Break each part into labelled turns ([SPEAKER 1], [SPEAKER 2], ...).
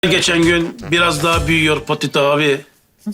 [SPEAKER 1] Geçen gün biraz daha büyüyor Potito abi.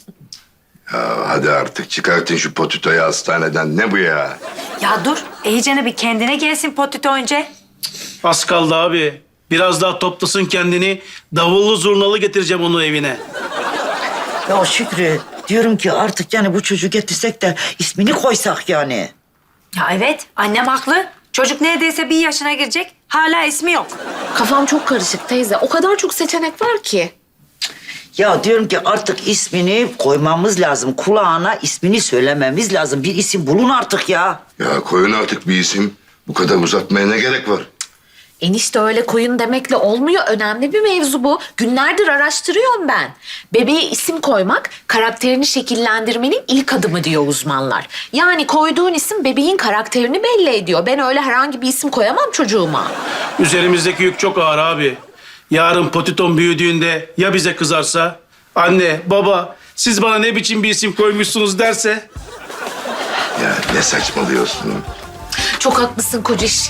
[SPEAKER 2] Ya hadi artık çıkartın şu Potito'yu hastaneden. Ne bu ya?
[SPEAKER 3] Ya dur, iyicene bir kendine gelsin Potito önce.
[SPEAKER 1] Az kaldı abi. Biraz daha toplasın kendini. Davullu zurnalı getireceğim onu evine.
[SPEAKER 4] Ya Şükrü, diyorum ki artık yani bu çocuğu getirsek de ismini koysak yani.
[SPEAKER 3] Ya evet, annem haklı. Çocuk neredeyse 1 yaşına girecek, hala ismi yok.
[SPEAKER 5] Kafam çok karışık teyze. O kadar çok seçenek var ki.
[SPEAKER 4] Ya diyorum ki artık ismini koymamız lazım. Kulağına ismini söylememiz lazım. Bir isim bulun artık ya.
[SPEAKER 2] Ya koyun artık bir isim. Bu kadar uzatmaya ne gerek var?
[SPEAKER 5] Enişte öyle koyun demekle olmuyor. Önemli bir mevzu bu. Günlerdir araştırıyorum ben. Bebeğe isim koymak karakterini şekillendirmenin ilk adımı diyor uzmanlar. Yani koyduğun isim bebeğin karakterini belli ediyor. Ben öyle herhangi bir isim koyamam çocuğuma.
[SPEAKER 1] Üzerimizdeki yük çok ağır abi. Yarın Potito'm büyüdüğünde ya bize kızarsa? Anne, baba siz bana ne biçim bir isim koymuşsunuz derse?
[SPEAKER 2] Ya ne saçmalıyorsun?
[SPEAKER 5] Çok haklısın kociş.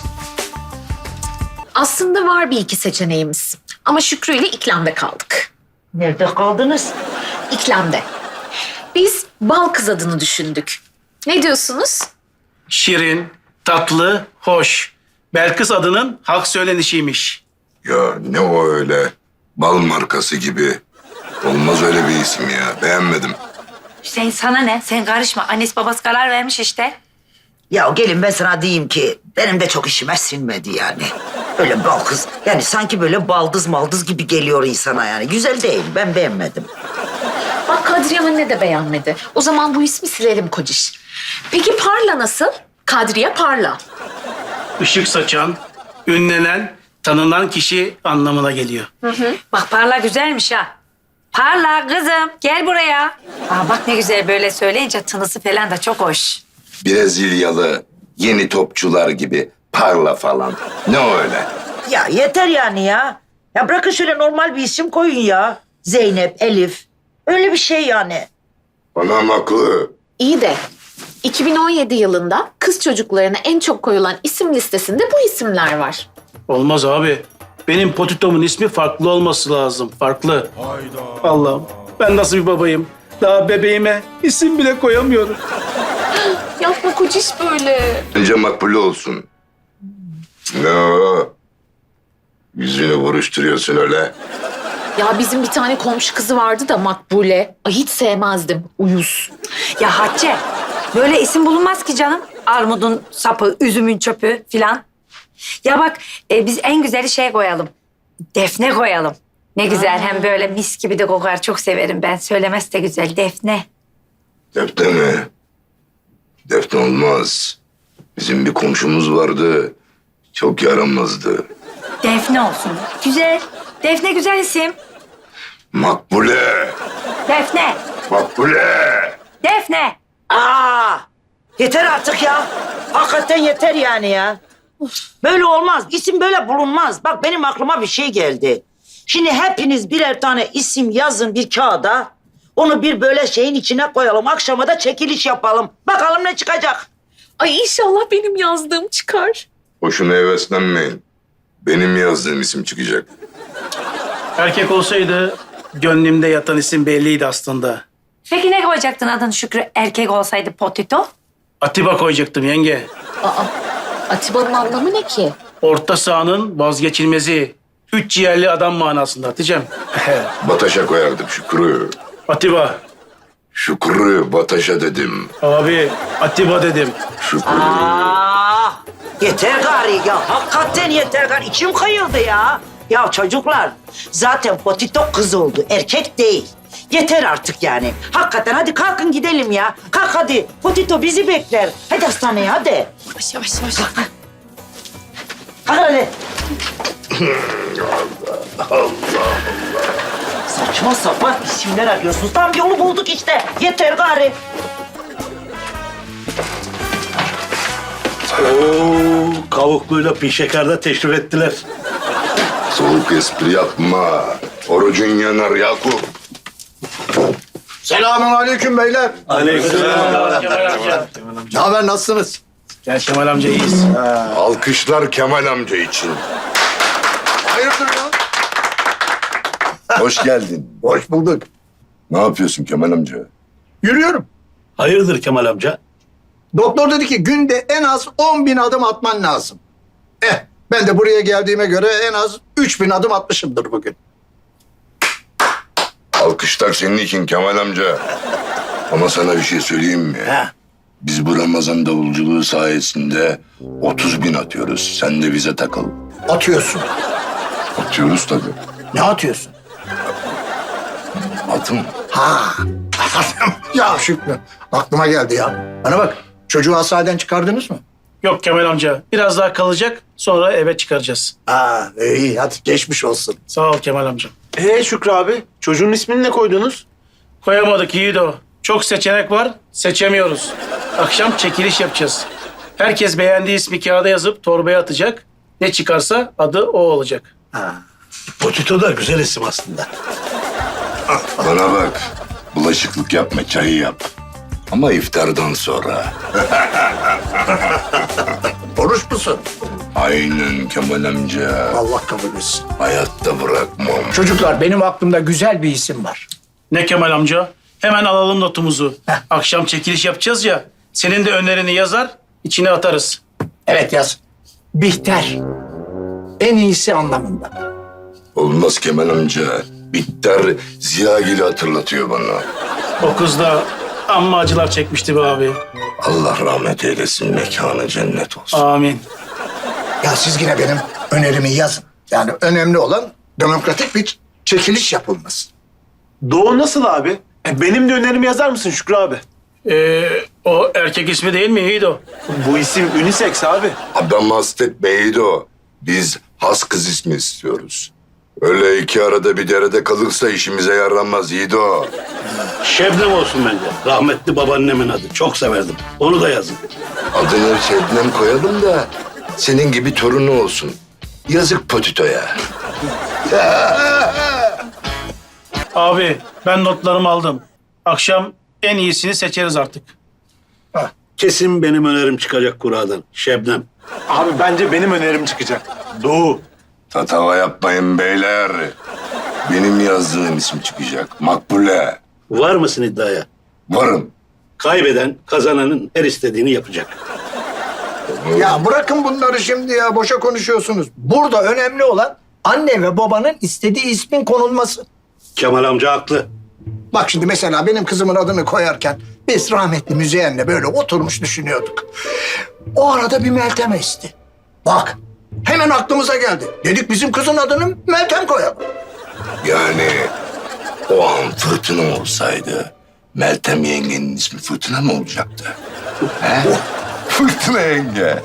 [SPEAKER 5] Aslında var bir iki seçeneğimiz. Ama Şükrü ile iklamda kaldık.
[SPEAKER 4] Nerede kaldınız?
[SPEAKER 5] İklamda. Biz bal kız adını düşündük. Ne diyorsunuz?
[SPEAKER 1] Şirin, tatlı, hoş. Belkıs adının halk söylenişiymiş.
[SPEAKER 2] Ya ne o öyle? Bal markası gibi. Olmaz öyle bir isim ya. Beğenmedim.
[SPEAKER 3] Hüseyin sana ne? Sen karışma. Annesi babası karar vermiş işte.
[SPEAKER 4] Ya gelin ben sana diyeyim ki benim de çok işime sinmedi yani. Öyle bal kız. Yani sanki böyle baldız maldız gibi geliyor insana yani. Güzel değil. Ben beğenmedim.
[SPEAKER 5] Bak Kadriye anne de beğenmedi. O zaman bu ismi silelim kociş. Peki Parla nasıl? Kadriye Parla.
[SPEAKER 1] Işık saçan, ünlenen, tanınan kişi anlamına geliyor.
[SPEAKER 3] Bak Parla güzelmiş ha. Parla kızım, gel buraya. Aa, bak ne güzel böyle söyleyince tınısı falan da çok hoş.
[SPEAKER 2] Brezilyalı yeni topçular gibi parla falan. Ne o öyle?
[SPEAKER 4] Ya yeter yani ya. Ya bırakın şöyle normal bir isim koyun ya. Zeynep, Elif. Öyle bir şey yani.
[SPEAKER 2] Anam haklı.
[SPEAKER 5] İyi de 2017 yılında kız çocuklarına en çok koyulan isim listesinde bu isimler var.
[SPEAKER 1] Olmaz abi. Benim Potito'mun ismi farklı olması lazım. Farklı. Allah'ım ben nasıl bir babayım? Daha bebeğime isim bile koyamıyorum.
[SPEAKER 5] Yapma kociş böyle.
[SPEAKER 2] Bence makbule olsun. Ne o? Yüzünü buruşturuyorsun öyle.
[SPEAKER 5] Ya bizim bir tane komşu kızı vardı da Makbule. Ay hiç sevmezdim. Uyuz.
[SPEAKER 3] Ya Hatice, böyle isim bulunmaz ki canım. Armudun sapı, üzümün çöpü filan. Ya bak, biz en güzeli şey koyalım. Defne koyalım. Ne güzel, hem böyle mis gibi de kokar. Çok severim ben. Söylemesi de güzel. Defne.
[SPEAKER 2] Defne mi? Defne olmaz. Bizim bir komşumuz vardı. Çok yaramazdı.
[SPEAKER 3] Defne olsun. Güzel. Defne güzel isim.
[SPEAKER 2] Makbule.
[SPEAKER 3] Defne.
[SPEAKER 2] Makbule.
[SPEAKER 3] Defne.
[SPEAKER 4] Aa! Yeter artık ya. Hakikaten yeter yani ya. Böyle olmaz. İsim böyle bulunmaz. Bak benim aklıma bir şey geldi. Şimdi hepiniz birer tane isim yazın bir kağıda. Onu bir böyle şeyin içine koyalım. Akşama da çekiliş yapalım. Bakalım ne çıkacak.
[SPEAKER 5] Ay inşallah benim yazdığım çıkar.
[SPEAKER 2] Boşuna heveslenmeyin. Benim yazdığım isim çıkacak.
[SPEAKER 1] Erkek olsaydı gönlümde yatan isim belliydi aslında.
[SPEAKER 3] Peki ne koyacaktın adını Şükrü? Erkek olsaydı Potito.
[SPEAKER 1] Atiba koyacaktım yenge.
[SPEAKER 5] Aa, Atiba'nın anlamı ne ki?
[SPEAKER 1] Orta sahanın vazgeçilmezi. 3 ciğerli adam manasında Hatice'm.
[SPEAKER 2] Bataşa koyardım Şükrü.
[SPEAKER 1] Atiba.
[SPEAKER 2] Şükrü Bataşa dedim.
[SPEAKER 1] Abi Atiba dedim.
[SPEAKER 2] Şükrü.
[SPEAKER 4] Aa! Yeter gari ya. Hakikaten yeter gari. İçim kayıldı ya. Ya çocuklar zaten Potito kız oldu. Erkek değil. Yeter artık yani. Hakikaten hadi kalkın gidelim ya. Kalk hadi. Potito bizi bekler. Hadi hastaneye hadi.
[SPEAKER 5] Yavaş yavaş yavaş.
[SPEAKER 4] Kalk hadi. Saçma sapan isimler arıyorsunuz. Tam yolu bulduk işte. Yeter gari.
[SPEAKER 6] Oo, kavukluyla pişekerde teşrif ettiler.
[SPEAKER 2] Soğuk espri yapma. Orucun yanar Yakup.
[SPEAKER 7] Selamun aleyküm beyler.
[SPEAKER 1] Aleykümselam. Kemal amca.
[SPEAKER 7] Ne haber, nasılsınız?
[SPEAKER 1] Gel Kemal amca iyiyiz.
[SPEAKER 2] Alkışlar Kemal amca için.
[SPEAKER 7] Hayırdır ya?
[SPEAKER 2] Hoş geldin.
[SPEAKER 7] Hoş bulduk.
[SPEAKER 2] Ne yapıyorsun Kemal amca?
[SPEAKER 7] Yürüyorum.
[SPEAKER 6] Hayırdır Kemal amca?
[SPEAKER 7] Doktor dedi ki günde en az 10.000 adım atman lazım. Ben de buraya geldiğime göre en az 3.000 adım atmışımdır bugün.
[SPEAKER 2] Alkışlar senin için Kemal amca. Ama sana bir şey söyleyeyim mi?
[SPEAKER 7] He.
[SPEAKER 2] Biz bu Ramazan davulculuğu sayesinde 30.000 atıyoruz. Sen de bize takıl.
[SPEAKER 7] Atıyorsun.
[SPEAKER 2] Atıyoruz tabii.
[SPEAKER 7] Ne atıyorsun?
[SPEAKER 2] Atım.
[SPEAKER 7] Ha. Ya Şükrü aklıma geldi ya. Bana bak çocuğu hastaneden çıkardınız mı?
[SPEAKER 1] Yok Kemal amca. Biraz daha kalacak. Sonra eve çıkaracağız.
[SPEAKER 7] Ha iyi hadi geçmiş olsun.
[SPEAKER 1] Sağ ol Kemal amca.
[SPEAKER 8] Şükrü abi, çocuğun ismini ne koydunuz?
[SPEAKER 1] Koyamadık Yiğido. Çok seçenek var. Seçemiyoruz. Akşam çekiliş yapacağız. Herkes beğendiği ismi kağıda yazıp torbaya atacak. Ne çıkarsa adı o olacak.
[SPEAKER 6] Potito da güzel isim aslında.
[SPEAKER 2] Bana bak. Bulaşıklık yapma, çayı yap. Ama iftardan sonra.
[SPEAKER 7] Oruç musun?
[SPEAKER 2] Aynen Kemal amca.
[SPEAKER 7] Allah kabul etsin.
[SPEAKER 2] Hayatta bırakmam.
[SPEAKER 7] Çocuklar benim aklımda güzel bir isim var.
[SPEAKER 1] Ne Kemal amca? Hemen alalım notumuzu. Akşam çekiliş yapacağız ya. Senin de önerini yazar, içine atarız.
[SPEAKER 7] Evet yaz. Bihter. En iyisi anlamında.
[SPEAKER 2] Olmaz Kemal amca. Bitter Ziyagil'i hatırlatıyor bana.
[SPEAKER 1] O kız da amma acılar çekmişti be abi.
[SPEAKER 2] Allah rahmet eylesin, mekanı cennet olsun.
[SPEAKER 1] Amin.
[SPEAKER 7] Ya siz yine benim önerimi yazın. Yani önemli olan demokratik bir çekiliş yapılması.
[SPEAKER 8] Doğu nasıl abi? Benim de önerimi yazar mısın Şükrü abi?
[SPEAKER 1] O erkek ismi değil mi Yiğido?
[SPEAKER 8] Bu isim unisex abi.
[SPEAKER 2] Adam hastet Beydo. Biz has kız ismi istiyoruz. Öyle iki arada bir derede kalırsa işimize yaramaz Yiğido.
[SPEAKER 6] Şebnem olsun bence. Rahmetli babaannemin adı. Çok severdim. Onu da yazın.
[SPEAKER 2] Adını Şebnem koyalım da senin gibi torunu olsun. Yazık Potito'ya.
[SPEAKER 1] Abi ben notlarımı aldım. Akşam en iyisini seçeriz artık.
[SPEAKER 6] Kesin benim önerim çıkacak kuradan. Şebnem.
[SPEAKER 8] Abi bence benim önerim çıkacak. Doğu.
[SPEAKER 2] Tatava yapmayın beyler. Benim yazdığım isim çıkacak. Makbule.
[SPEAKER 6] Var mısın iddiaya?
[SPEAKER 2] Varım.
[SPEAKER 6] Kaybeden kazananın her istediğini yapacak.
[SPEAKER 7] Ya bırakın bunları şimdi ya. Boşa konuşuyorsunuz. Burada önemli olan anne ve babanın istediği ismin konulması.
[SPEAKER 6] Kemal amca haklı.
[SPEAKER 7] Bak şimdi mesela benim kızımın adını koyarken biz rahmetli Müzeyyen'le böyle oturmuş düşünüyorduk. O arada bir Meltem esti. Bak hemen aklımıza geldi. Dedik bizim kızın adını Meltem koyalım.
[SPEAKER 2] Yani o an fırtına olsaydı Meltem yengenin ismi Fırtına mı olacaktı? He? Fırtına yenge.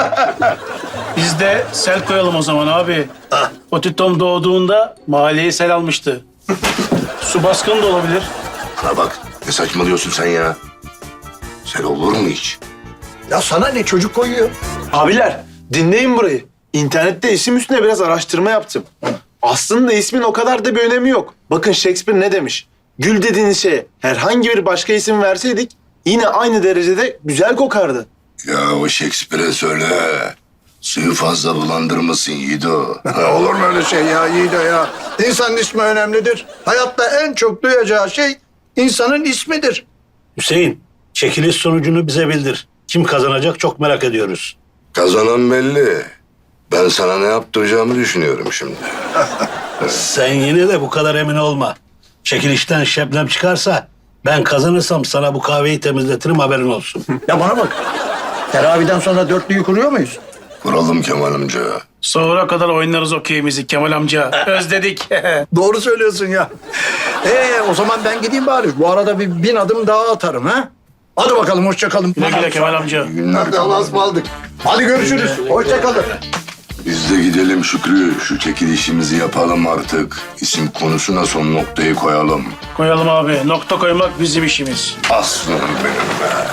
[SPEAKER 1] Biz de sel koyalım o zaman abi. Potitom doğduğunda mahalleyi sel almıştı. Su baskını da olabilir.
[SPEAKER 2] Bana bak, ne saçmalıyorsun sen ya? Sen olur mu hiç?
[SPEAKER 7] Ya sana ne çocuk koyuyor?
[SPEAKER 8] Abiler dinleyin burayı. İnternette isim üstüne biraz araştırma yaptım. Aslında ismin o kadar da bir önemi yok. Bakın Shakespeare ne demiş? Gül dediğiniz şeye herhangi bir başka isim verseydik yine aynı derecede güzel kokardı.
[SPEAKER 2] Ya o Shakespeare'e söyle. Suyu fazla bulandırmasın Yiğido.
[SPEAKER 7] Olur mu öyle şey ya Yiğido ya? İnsanın ismi önemlidir. Hayatta en çok duyacağı şey insanın ismidir.
[SPEAKER 6] Hüseyin, çekiliş sonucunu bize bildir. Kim kazanacak çok merak ediyoruz.
[SPEAKER 2] Kazanan belli. Ben sana ne yaptıracağımı düşünüyorum şimdi.
[SPEAKER 6] Sen yine de bu kadar emin olma. Çekilişten Şebnem çıkarsa ben kazanırsam sana bu kahveyi temizletirim, haberin olsun.
[SPEAKER 7] Ya bana bak. Teraviden sonra dörtlüyü kuruyor muyuz?
[SPEAKER 2] Kuralım Kemal amca.
[SPEAKER 1] Sonra kadar oynarız okeyimizi Kemal amca. Özledik.
[SPEAKER 7] Doğru söylüyorsun ya. O zaman ben gideyim bari. Bu arada bir 1000 adım daha atarım ha. Hadi bakalım hoşça kalın.
[SPEAKER 1] Güle güle Kemal amca.
[SPEAKER 2] Günler
[SPEAKER 7] Hadi Allah'a ısmarladık. Hadi görüşürüz. Hoşça kalın.
[SPEAKER 2] Biz de gidelim Şükrü. Şu çekilişimizi yapalım artık. İsim konusuna son noktayı koyalım.
[SPEAKER 1] Koyalım abi. Nokta koymak bizim işimiz.
[SPEAKER 2] Aslanım benim be.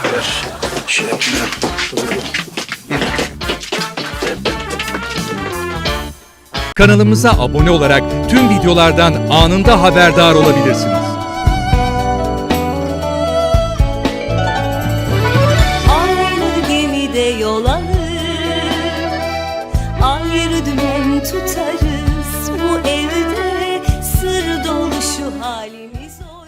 [SPEAKER 9] Kanalımıza abone olarak tüm videolardan anında haberdar olabilirsiniz.
[SPEAKER 10] Aynı gemide yol alır, ayrı dümen tutarız. Bu evde sır dolu zor